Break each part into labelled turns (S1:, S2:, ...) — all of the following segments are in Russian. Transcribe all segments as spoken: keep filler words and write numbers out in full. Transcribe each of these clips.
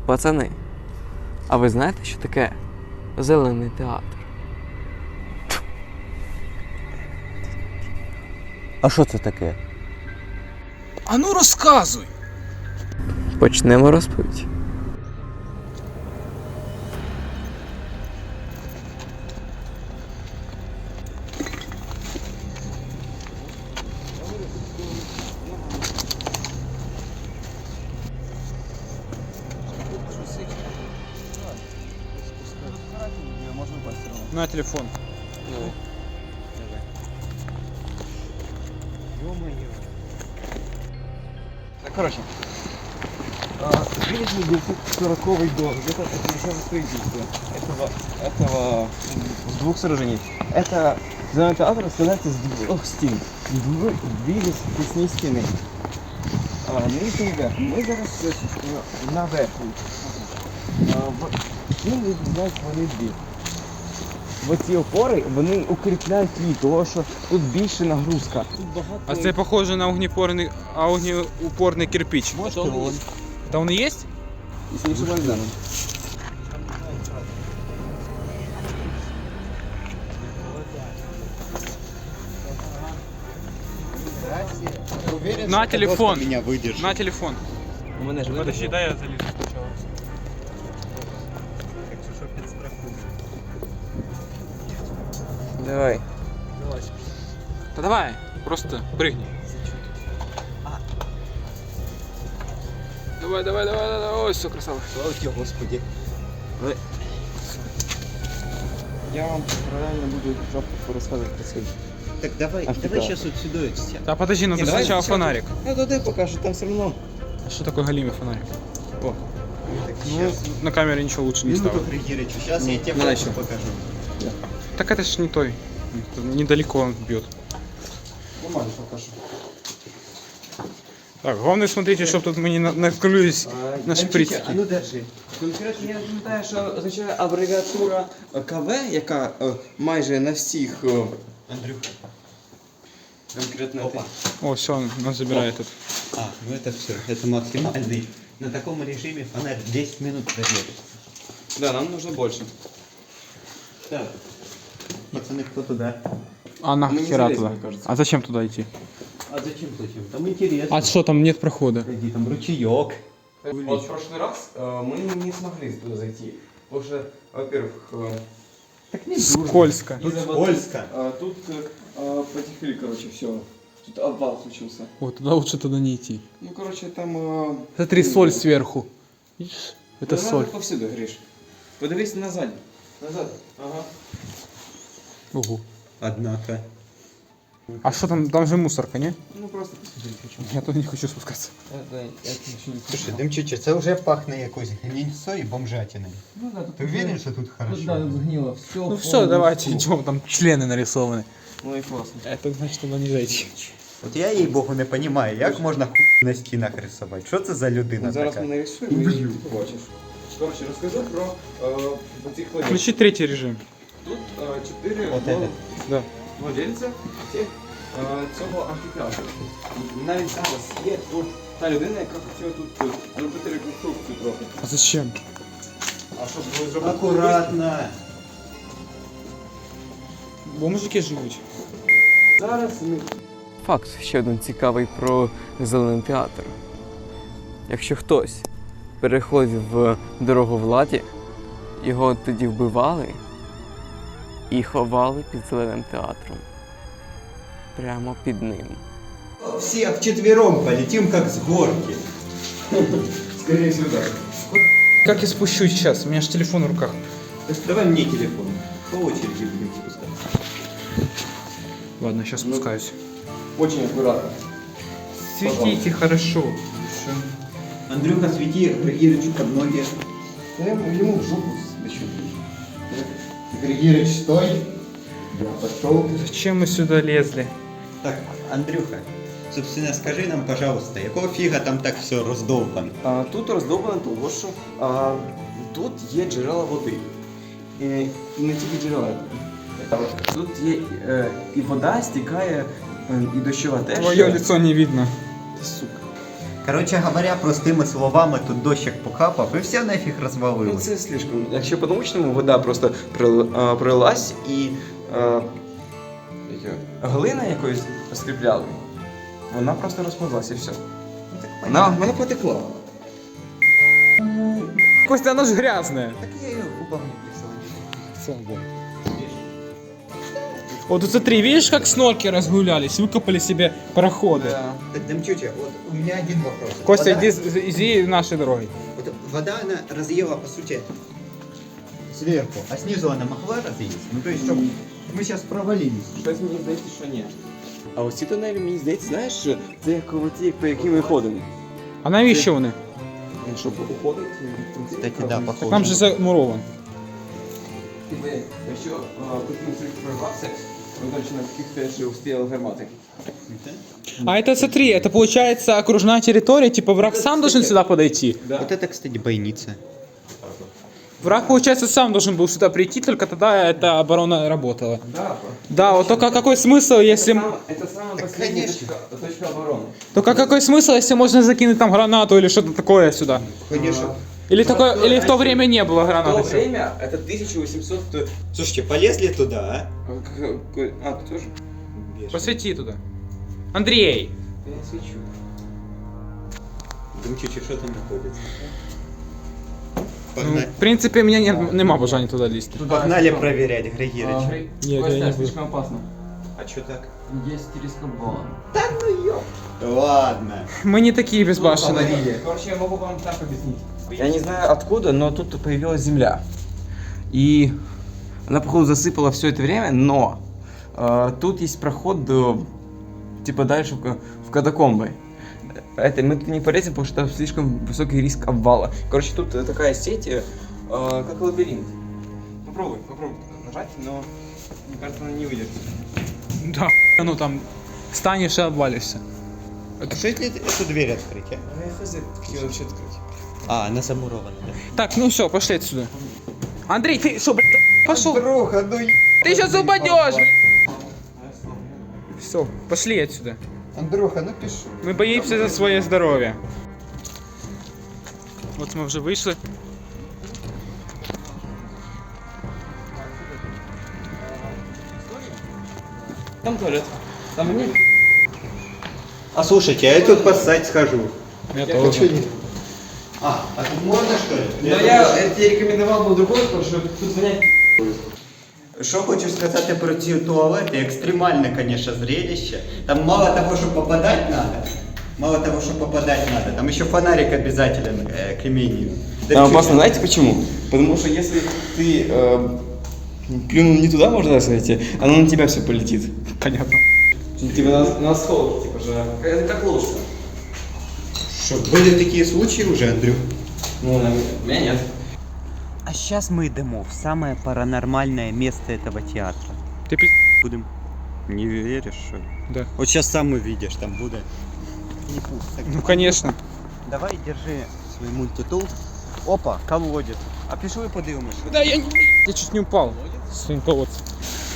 S1: Пацани, а ви знаєте, що таке зелений театр?
S2: А що це таке?
S3: А ну розказуй!
S1: Почнемо розповідь.
S3: На телефон.
S2: Так, короче. девять девятьсот сороковый год, где-то начало строительства этого, этого, с двух сооружений. Это зеленый театр складається з двох стін. Дві, дві лісні стіни. А, нижній верх. Ми зараз е, на верху. Стіни відрізняють вони дві. Оці опори, вони укріпляють її, тому що тут більше нагрузка. Тут багато...
S3: А це похоже на огнеупорний, огнеупорний кирпич.
S2: Може, он.
S3: Это он и есть?
S2: Если не ошибаюсь, да.
S4: Уверен,
S3: На
S4: что
S3: телефон.
S4: меня выдержит.
S3: На телефон.
S2: У мене ж
S3: Подожди, дай я залезу сначала.
S2: Давай.
S3: Да давай, просто прыгни. Давай, давай, давай, давай, ой, все, красава.
S2: Слава тебе, Господи. Ви... Я вам правильно буду жопу розказувати про цей.
S4: Так давай,
S2: А
S4: давай
S2: что?
S4: сейчас вот сюда все.
S3: Да подожди, надо
S2: Не, давай
S3: сначала
S2: сначала-
S3: фонарик.
S2: Я туди покажу, там все одно.
S3: А что такое галимый фонарик?
S2: О,
S4: Так,
S3: Ну,
S4: сейчас.
S3: на камере ничего лучше не
S4: Минуту
S3: стало.
S4: придирочу. Сейчас я тебе
S2: давай
S4: фотку
S2: еще.
S4: покажу.
S3: Так это ж не той. Это недалеко он бьет.
S2: нормально покажу.
S3: Так, главное смотрите, чтобы тут мы не на- накрылись на шприц.
S2: А ну держи. Конкретно я пам'ятаю, що означає абревіатура КВ, яка е, майже на всіх... е,
S4: Андрюха.
S2: конкретно
S4: Опа.
S3: О, все, он нас забирает тут.
S4: А, ну это все. Это максимальный. На таком режиме фонарь десять минут проверит.
S2: Да, нам нужно больше.
S4: Так. Пацаны, кто туда?
S3: А
S2: Мы не
S3: нахера
S2: залезем,
S3: туда?
S2: мне кажется.
S3: А зачем туда идти?
S4: А зачем зачем? Там интересно.
S3: А что, там нет прохода?
S4: Погоди, там ручеек.
S2: Вот в прошлый раз э, мы не смогли туда зайти. Потому что, во-первых, э,
S4: Так не
S3: Скользко.
S4: Тут
S2: из-за воды,
S4: скользко.
S2: э, тут э, потекли, короче, все. Тут обвал случился.
S3: Вот, туда лучше туда не идти.
S2: Ну, короче, там... Э,
S3: Смотри, соль сверху. Видишь? Это
S2: ну,
S3: соль.
S2: надо повсюду, Гриш. Подивись назад. Назад. Ага.
S3: Ого.
S4: Однако.
S3: А что там? Там же мусорка, не?
S2: Ну, просто посмотри, хочу.
S3: Я туда не хочу спускаться.
S2: Это, это еще не
S4: Слушай, Демчича, це вже пахне якоюсь гнильцою і бомжатиною.
S2: Ну, да, тут
S4: Ти уверен, що тут хорошо?
S2: Тут, да, тут сгнило. Все.
S3: Ну все, давайте идем, там члены нарисованы.
S2: Ну и классно.
S3: Это значит туда не зайти.
S4: От я їй богу не розумію, як можна хуй на стінах рисувати? Що це за людина
S2: Зараз
S4: така?
S2: ми нарисуємо і ти побачиш. Коротше, розкажу про е, цих владельців.
S3: Включи третий режим.
S2: Тут е, чотири
S4: От
S2: вла-
S4: это.
S3: Да.
S2: владельця цих, е, цього амфітеатру. Навіть зараз є тут та людина, яка хотіла тут е, зробити реконструкцію трохи.
S3: А зачем?
S2: А щоб ви зробити...
S4: Акуратно.
S3: Бо мужики живуть.
S2: Зараз ми...
S1: Факт ще один цікавий про зелений театр. Якщо хтось переходив в дорогу владі, його тоді вбивали і ховали під зеленим театром. Прямо під ним.
S4: Все вчетвером полетим, как с горки.
S2: Скорее сюди.
S3: Как я спущусь сейчас? У меня же телефон в руках.
S4: Давай мне телефон. По очереди будем спускаться.
S3: Ладно, сейчас спускаюсь.
S2: Очень акуратно.
S3: Светите хорошо.
S4: Андрюха, свети Григорьевичу под ноги.
S2: Я ему ему в жопу дощу.
S4: Григорьевич, стой. Я пошел.
S3: Зачем мы сюда лезли?
S4: Так, Андрюха, собственно, скажи нам, пожалуйста, якого фіга там так все роздовбано?
S2: А, тут роздовбано того, що а, тут є джерела води. І, і не тільки джерела. Тут є е, і вода стікає, е, і дощова теж.
S3: Твое лицо не видно.
S2: Та сука.
S4: Короче говоря, простими словами, тут дощик покапав і все нафіг
S2: Ну
S4: розвалилось.
S2: це слишком. Якщо по-научному, вода просто прил- а, прилилась і а, як його, глина якоюсь скріпляли. Вона просто розповзлась і все. Вона, вона потекла.
S3: Костя, оно же грязное.
S4: Так я ее губами присылаю.
S3: Вот тут смотри, видишь, как снорки разгулялись, выкопали себе пароходы.
S4: Так, Демчуча, вот у меня один вопрос.
S3: Костя,
S4: вода,
S3: иди, иди нашей дорогой.
S4: вот вода, она разъела, по сути, сверху, а снизу она могла разъесть? Ну, то есть, чтобы мы сейчас провалились.
S2: Щось мені здається, що ні. А ось ці тунелі, мені здається, знаєш, це як оці, по яким ми ходимо.
S3: А навіщо вони?
S2: Він що, уходить? в принципі,
S4: Кстати, да,
S2: правильно.
S4: похоже.
S3: Так там же замурован.
S2: Типу, якщо тут не прорвався, ми точно на таких теж успіли гармати.
S3: А это смотри, это получается окружная территория, типа враг сам должен сюда подойти.
S4: Вот это, кстати, бойница.
S3: Враг, получается, сам должен был сюда прийти, только тогда эта оборона работала.
S2: Да,
S3: Да, вот только какой смысл, если... м-
S2: это самая последняя точка, точка обороны.
S3: Только какой смысл, если можно закинуть там гранату или что-то такое сюда?
S4: Конечно.
S3: Или, такое, или в то время не было
S2: В то
S3: гранаты?
S2: время это тысяча восемьсот...
S4: Слушайте, полезли туда,
S2: А, ты тоже?
S4: а?
S3: Посвети туда. Андрей!
S2: Я не свечу.
S4: Демчуча, что там находится?
S3: Ну,
S4: Погнали,
S3: в принципе, у меня нет, нема бажання туда лезть.
S4: Погнали проверять, Григорич.
S3: Нет, я не буду.
S2: слишком опасно.
S4: А что так?
S2: Есть телескоп-баллон.
S4: Ладно.
S3: Мы не такие безбашенные.
S2: Короче, я могу вам так объяснить. Я не знаю откуда, но тут появилась земля. И она, походу, засыпала все это время, но э, тут есть проход до, типа дальше в, ка- в катакомбы. Это мы тут не полезем, потому что там слишком высокий риск обвала. Короче, тут э, такая сеть, э, э, как лабиринт. Попробуй, попробуй нажать, но мне кажется, она не выдержит.
S3: Да, ну там станешь и обвалишься.
S4: А что если эту дверь открыть, а?
S2: Ну, я хз, как ее вообще открыть.
S4: А, она замурована, да?
S3: Так, ну все, пошли отсюда. Андрей, ты что, блядь, пошел?
S4: Друга, ну
S3: Ты сейчас упадешь, блядь. Все, пошли отсюда.
S4: Андрюха, напиши.
S3: Мы боимся за свое здоровье. Вот мы уже вышли.
S2: Там туалет. Там нет.
S4: А слушайте, а я тут поссать схожу.
S3: Я тоже.
S4: А, а тут можно что ли?
S2: Но я, я тебе рекомендовал был другой, потому что тут звонять.
S4: Що хочу сказати про ці туалети, екстремальне, конечно, зрелище. Там мало того, что попадать надо, мало того, что попадать надо, там еще фонарик обязателен э, к имению. Да
S2: Там
S4: чё-
S2: опасно, знаете почему? Потому что если ты э, плюнул не туда, можно сказать, оно на тебя все полетит.
S3: Понятно.
S2: Типа на, на асфальт, типа же. Это как лучше.
S4: Что, были такие случаи уже, Андрюх?
S2: Ну, у меня нет.
S4: А сейчас мы идем в самое паранормальное место этого театра.
S3: Ты пи***.
S4: Будем. Не веришь, что ли?
S3: Да.
S4: Вот сейчас сам увидишь, там будет. Не пусть. Так,
S3: Ну конечно.
S4: давай, держи свой мультитул. Опа, колодец. А пішли подивимось.
S3: Да я не... Я чуть не упал. Своим колодцем.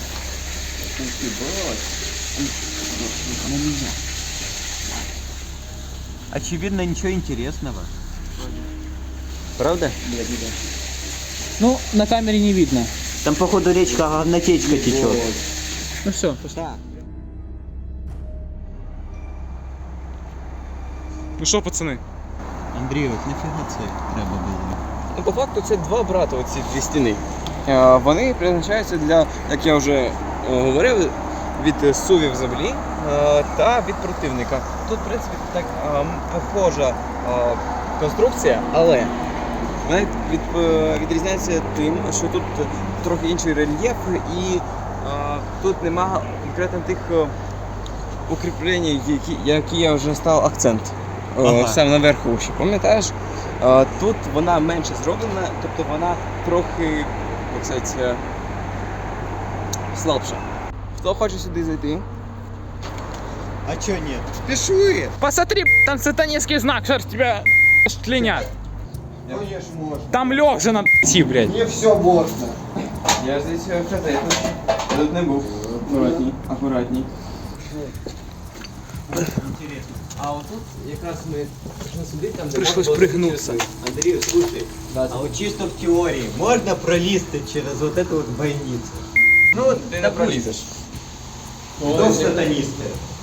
S4: Очевидно, ничего интересного. Правда?
S3: Ну, на камере не видно.
S4: Там, походу, речка говнотечка течет.
S3: Ну все, пошли. Ну что, пацаны?
S4: Андрій, от нафіга це треба було?
S2: Ну, по факту це два брата, оці дві стіни. Е, Вони призначаються для, як я вже е, говорив, від сувів землі е, та від противника. Тут, в принципі, так е, м, похожа е, конструкція, але вона від, е, відрізняється тим, що тут трохи інший рельєф і е, тут немає конкретно тих е, укріплень, які, які я вже став акцент. Е,
S4: Ага.
S2: Саме наверху ще, пам'ятаєш? Е, Тут вона менше зроблена, тобто вона трохи, як сказати, е, слабша. Хто хоче сюди зайти?
S4: А чо ні? Пішли!
S3: Посмотри, там сатанинский знак, что тебя тлинят.
S4: Конечно, можна.
S3: Там лег же надо идти, блядь.
S4: Мені все можна.
S2: Я здесь е, вчора, я тут, я тут не був. Акуратній, акуратній. А вот тут якраз мы должны сюда, там, где
S3: Пришлось
S2: можно было
S3: пригнуться.
S2: спуститься. Андрей, слушай,
S4: А вот чисто в теории можно пролезть через вот эту вот бойницу? Ну вот,
S2: ты не
S4: допустим,
S2: пролезешь.
S4: дом сатанисты.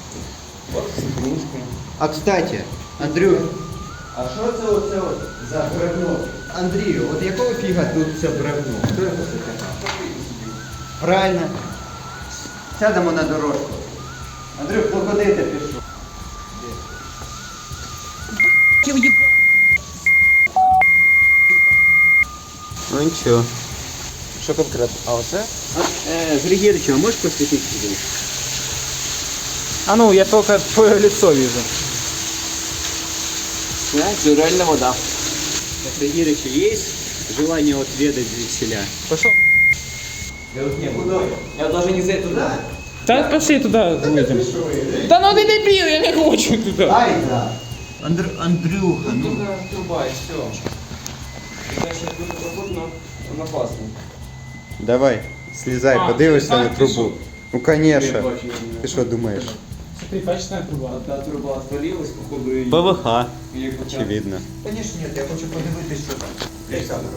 S4: А кстати, Андрюх, а що це оце от за бревно? Андрію, от якого фіга тут це бревно? Хто його закатав? Правильно. Сядемо на дорожку. Андрюх, ну куди ти пішов? Ну нічого.
S2: Що конкретно? А оце?
S4: Е, Григорьевич, а можеш посвітити сюди?
S3: А ну, я только твое лицо вижу.
S2: Це реальна вода.
S4: Григорьевич, есть желание отведать звідсіля?
S3: Пошел.
S2: Не, куда? Я даже не знаю туда.
S3: Да пошли туда выйдем. Да ну ты дебил, я не хочу туда.
S4: Ай, да. Андр... Андрюха, ну.
S2: Только труба и все. Дальше тут проход на, на опасный.
S4: Давай, слезай,
S3: А,
S4: подивишся
S3: так,
S4: на
S3: ти
S4: трубу.
S3: що?
S4: Ну, конечно. Ты что думаешь?
S3: Смотри, качественная труба.
S2: Одна труба отвалилась, походу, и...
S4: ПВХ,
S2: Или как-то-
S4: очевидно. Конечно нет, я хочу подивитися, що там. Олександр.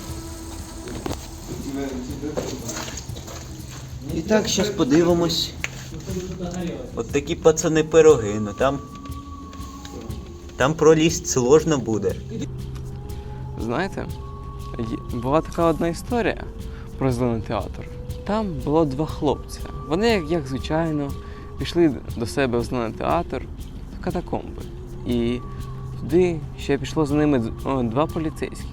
S2: Тебе- тебе труба.
S4: І так, зараз подивимось. От такі пацани пироги, ну там. Там пролізти сложно буде.
S1: Знаєте, є- була така одна історія про зелений театр. Там було два хлопця. Вони, як, як звичайно, пішли до себе в зелений театр в катакомби. І туди ще пішло за ними д- о, два поліцейських.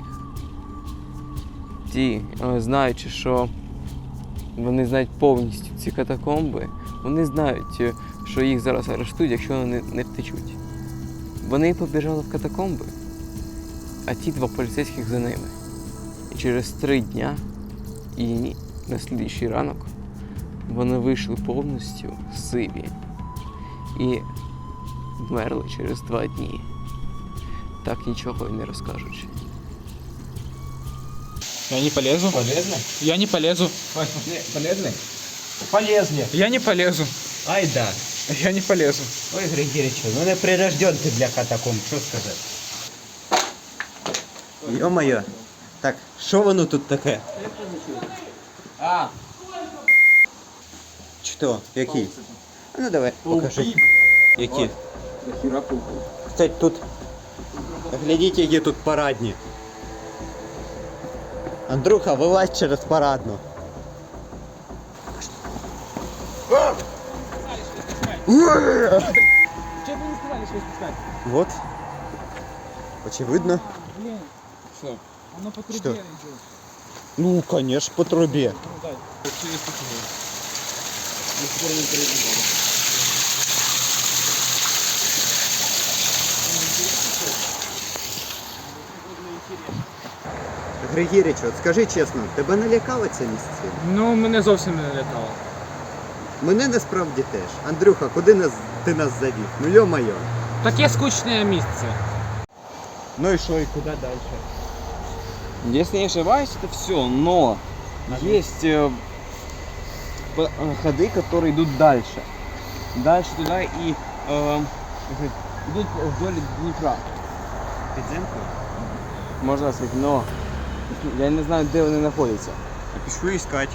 S1: Ті, о, знаючи, що вони знають повністю ці катакомби, вони знають, е, що їх зараз арештують, якщо вони не втечуть. Вони побіжали в катакомби, а ті два поліцейських за ними. І через три дня і ні- на слідчий ранок вони вийшли повністю сиві і вмерли через два дні, так нічого і не розкажучи.
S3: Я не полезу.
S2: Полезно?
S3: Я не полезу.
S2: Полезно? Полезно.
S3: Я не полезу.
S4: Ай да.
S3: Я не полезу.
S4: Ой, Григорьевич, ну не прирожден ти для катакомб, що сказати? Йо-моє. Так, що воно тут таке?
S2: А,
S4: Що? Який? А ну давай, покажи. Які?
S2: нахера пауки?
S4: Кстати, тут... Глядіть, які тут парадні. Андрюха, вилазь через парадну.
S3: Че вы не сказали, что спускать?
S4: Вот. Очевидно.
S3: Блин,
S2: Что?
S3: оно по
S4: Что?
S3: трубе идет.
S4: Ну, конечно, по трубе.
S3: Ну, дай.
S4: Григорич, от скажи чесно, тебе не лякало це місце?
S3: Ну, мене зовсім не лякало.
S4: Мене насправді теж. Андрюха, куди нас, ти нас завів? Ну йо-моє.
S3: Таке скучне місце.
S4: Ну і що, і куди далі?
S2: Если не ошибаюсь, это все, но есть э, п- э, ходы, которые идут дальше. Дальше туда и э, как идут вдоль Днепра.
S4: Підземку?
S2: Можно сказать, но я не знаю, где они находятся.
S4: Пішли іскати.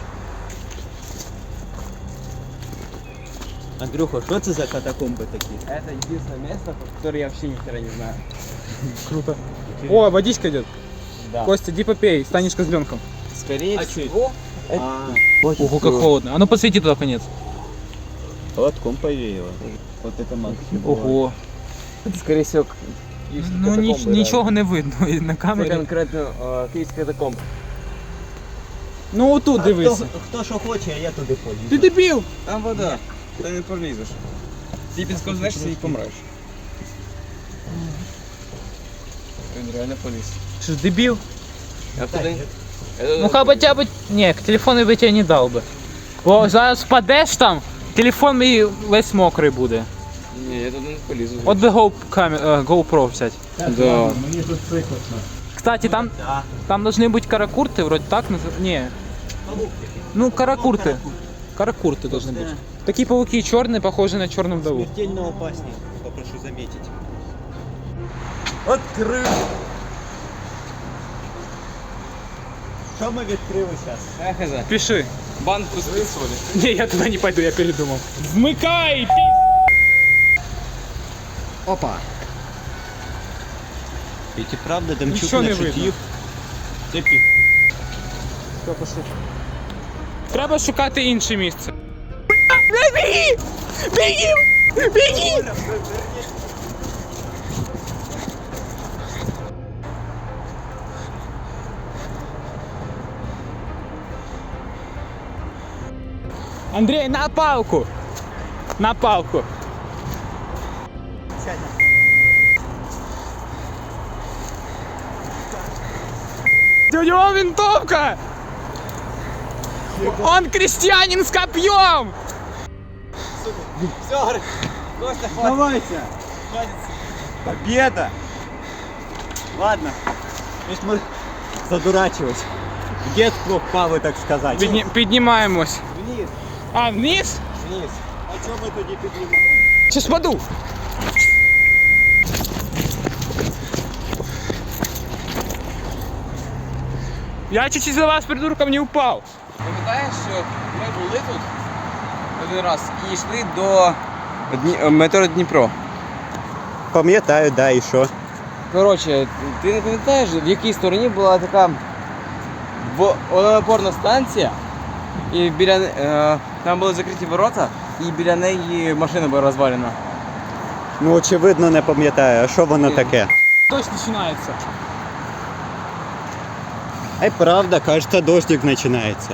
S4: Андрюха, що це за катакомби такі?
S2: Это единственное место, про которое я вообще ни хера не знаю.
S3: Круто. О, водичка идет.
S2: Да.
S3: Костя, иди попей, станешь козленком.
S2: Скорее
S3: А
S2: всего,
S4: А,
S3: Ого, как холодно. А ну посвети туда конец.
S4: Холодком повеяло. Вот это максимум.
S3: Ого.
S2: это скорее всего к- киевские
S3: Ну ніч,
S2: катакомбы,
S3: нічого не видно і на
S2: да. Це
S3: камері.
S2: конкретно э, киевские катакомбы.
S3: Ну отут дивися.
S4: Хто, хто що хоче, а я туди полізу.
S3: Ти дебіл!
S2: Там вода, ты не пролезешь. Ты підсковзнешься и помрешь. Він реально поліз.
S3: Що ж дебіл?
S2: Я туди...
S3: Ну хоча б... Ні, телефон би тебе не дав би. Бо зараз впадеш там, телефон мій весь мокрий буде.
S2: Ні, я туди не полізу.
S3: От би Go, камер, е, GoPro взяти.
S2: Да.
S4: Мені тут прикладно.
S3: Кстати, там,
S4: Да.
S3: там должны быть каракурты, вроде так называются. Не, ну каракурты. Каракурты должны быть. Такие пауки черные, похожие на черную вдову.
S4: Смертельно опасні. прошу заметить. Открыли! Что мы відкрили сейчас?
S3: Пиши.
S1: Банку з солі.
S3: Не, я туда не пойду, я передумал. Вмыкай, пи***.
S4: Опа! Ведь и правда Демчук
S3: Ничего не
S4: не
S3: видно.
S4: шутів. Це пі...
S3: Все, пошли. Треба шукати інше місце. Біги! Біги! Біги! Андрей, на палку! На палку! У него винтовка! Он крестьянин с копьем!
S4: Все, Костя, давайте! Победа! Ладно, видишь, мы задурачились. В детство впали, так сказать.
S3: Підні- Піднімаємось.
S4: Вниз,
S3: А, вниз?
S4: вниз. А чого ми тоді піднімаємо?
S3: Сейчас паду. Я чуть-чуть за вас, придурком, не упал.
S1: Пам'ятаєш, що ми були тут один раз і йшли до Дні... метро Дніпро.
S4: Пам'ятаю, да, і що?
S1: Коротше, ти не пам'ятаєш, в якій стороні була така во- водонапорна станція, і біля не- е, там були закриті ворота, і біля неї машина була розвалена.
S4: Ну, очевидно, не пам'ятаю. А що воно
S1: Ні.
S4: таке?
S3: Дождь начинается.
S4: Ай, правда, кажется, дождик починається.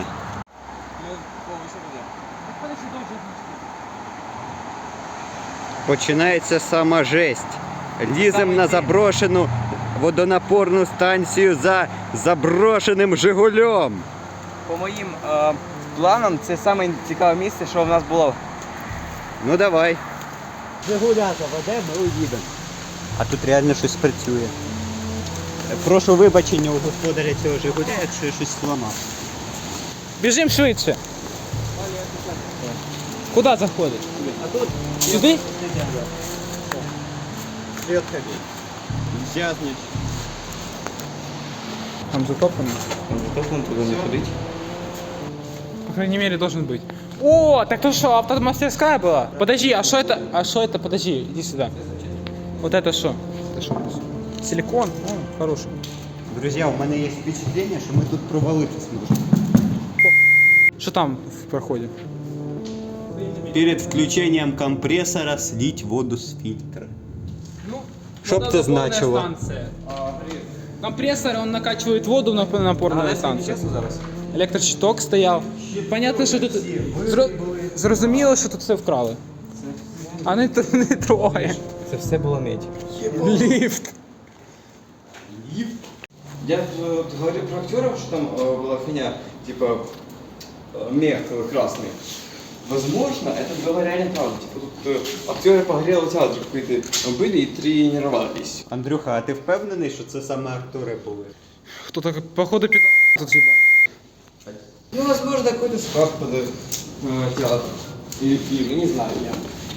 S4: Починається сама жесть. Лізем на заброшену водонапорну станцію за заброшеним Жигулем.
S1: По моїм е, планам, це саме цікаве місце, що в нас було.
S4: Ну давай. Жигуля заведемо, ми уїдемо. А тут реально щось працює. Прошу вибачення у господаря цього Жигуля, якщо я щось зламав.
S3: Бежим швидше. Куда заходить?
S4: А тут
S3: Сюди?
S4: Привет, ходи. Зязнешь.
S3: Там затоплено.
S1: Затоплено, туди не ходить.
S3: По крайней мере, должен быть. О, так то что, автомастерская была? Подожди, а что это? А что это? Подожди, иди сюда. Вот это что? Это что? Силикон? О, хороший.
S4: Друзья, у меня есть впечатление, что мы тут провалиться сможем.
S3: Что там в проходе?
S4: Перед включением компрессора слить воду с фильтра. Что б это значило?
S3: Компрессор, он накачивает воду на напорную станцию.
S1: зараз.
S3: Електрощиток стояв. Понятно, що тут зро- зрозуміло, що тут все вкрали. А не, т- не троє.
S1: Це все було медь.
S3: Ліфт.
S1: Я э, говорил про актеров, что там э, была фигня, типа э, мех э, красный. Возможно, это было реально правда. Типа тут э, актеры погорелого театра какие-то были и тренировались.
S4: Андрюха, а ти впевнений, що це саме актори були?
S3: Хто-то, походу, під тут їбать.
S1: Ну, возможно, какой-то склад под э, театр. Или фильм, не знаю я.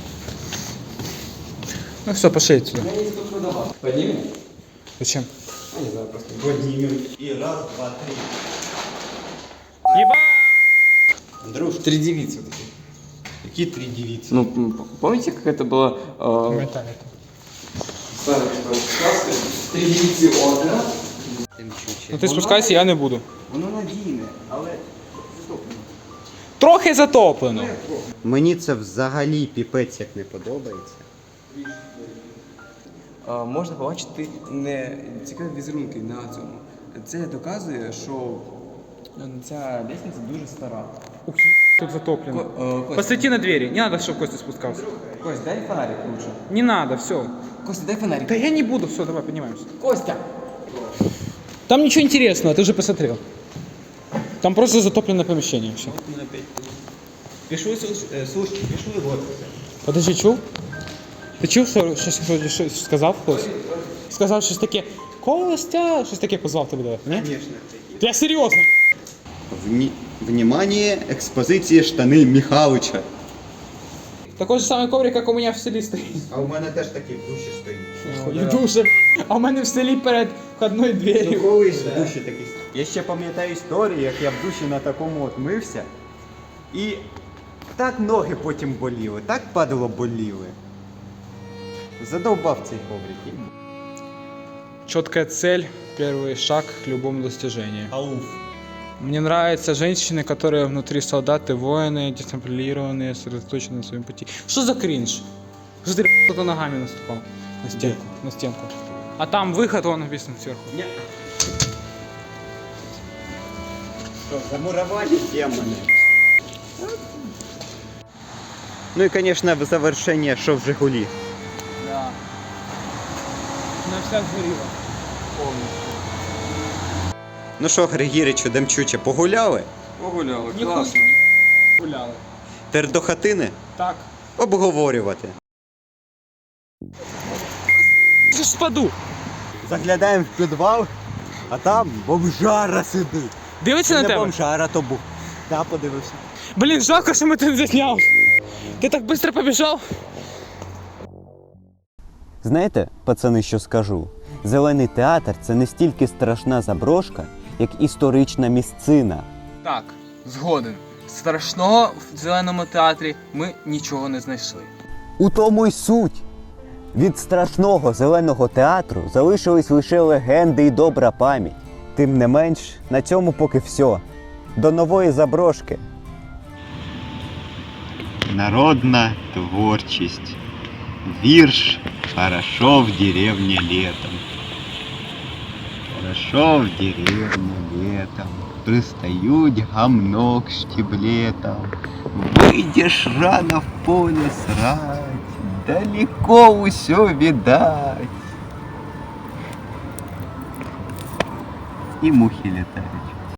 S3: Ну все, пошли отсюда.
S1: Я не сколько давал. Поднимем?
S3: Зачем?
S1: Я не знаю, просто.
S4: Поднимем. И раз, два, три.
S3: Єба!
S4: Андрюш,
S1: Три девицы вот такие.
S4: какие три девицы?
S1: Ну, м, помните, как это было э, старая такая сказка? Три девицы ордена.
S3: Ну ти спускайся, я не буду.
S1: Воно надійне, але затоплено.
S3: Трохи затоплено.
S4: Мені це взагалі піпець як не подобається.
S1: А, можна побачити не цікаві візерунки на цьому. Це доказує, що ця лестниця дуже стара.
S3: Ух, тут затоплено.
S1: Ко- е, Костя,
S3: Посвети на двери. Не надо, чтобы Костя спускался.
S1: Кость, дай фонарик лучше.
S3: Не надо, все.
S1: Костя, дай фонарик.
S3: Да я не буду, все, давай, поднимаемся.
S1: Костя!
S3: Там ничего интересного, ты уже посмотрел. Там просто затопленное помещение все.
S4: Пишу, слушай, пишу його.
S3: Подожди, чув? Ти чув, що, що, що, що сказав хтось? Сказав щось таке, Костя, щось таке позвав тебе, давай, ні?
S4: Конечно.
S3: Я серйозно.
S4: Вні... Внимание, експозиції штани Михалича.
S3: Такой же самый коврик, как у меня в селі стоїть.
S4: А у мене теж такий в душі стоїть.
S3: І дуже. А у мене в селі перед входною дверью.
S4: Колись в душі такий. Я ще пам'ятаю історію, як я в душі на такому от мився. І так ноги потім боліли, так падало боліли. Задовбав цей коврик.
S3: Четкая цель, первый шаг к любому достижению.
S4: Ауф.
S3: Мне нравятся женщины, которые внутри солдаты, воины, дисциплинированные, сосредоточены на своем пути. Что за кринж? Что ты кто-то ногами наступал на стенку, на стенку? А там выход, он написан сверху.
S4: Ня. Что, замуровали демоны? Ну и, конечно, в завершение шов Жигули.
S3: Да. На вся сгорела. Полностью.
S4: Ну що, Григіричу, Демчуче, погуляли?
S1: Погуляли,
S3: Не
S1: класно.
S3: Гуляли.
S4: Тепер до хатини
S3: Так.
S4: обговорювати.
S3: Я ж впаду.
S4: Заглядаємо в підвал, а там бомжара сидить.
S3: Дивиться на
S4: Не
S3: тебе?
S4: бомжара, то був. Та подивився.
S3: Блин, жалко, что мы тут заснял. Ты так быстро побежал.
S5: Знаєте, пацани, що скажу? Зелений театр – це не стільки страшна заброшка, як історична місцина.
S1: Так, згоден. Страшного в зеленому театрі ми нічого не знайшли.
S5: У тому й суть. Від страшного зеленого театру залишились лише легенди і добра пам'ять. Тим не менш, на цьому поки все. До нової заброшки.
S4: Народна творчість. Вірш «Хорошо в деревне летом». Хорошо в деревне летом, пристают гамно к штиблетам. Выйдешь рано в поле срать, далеко усё видать. И мухи летают.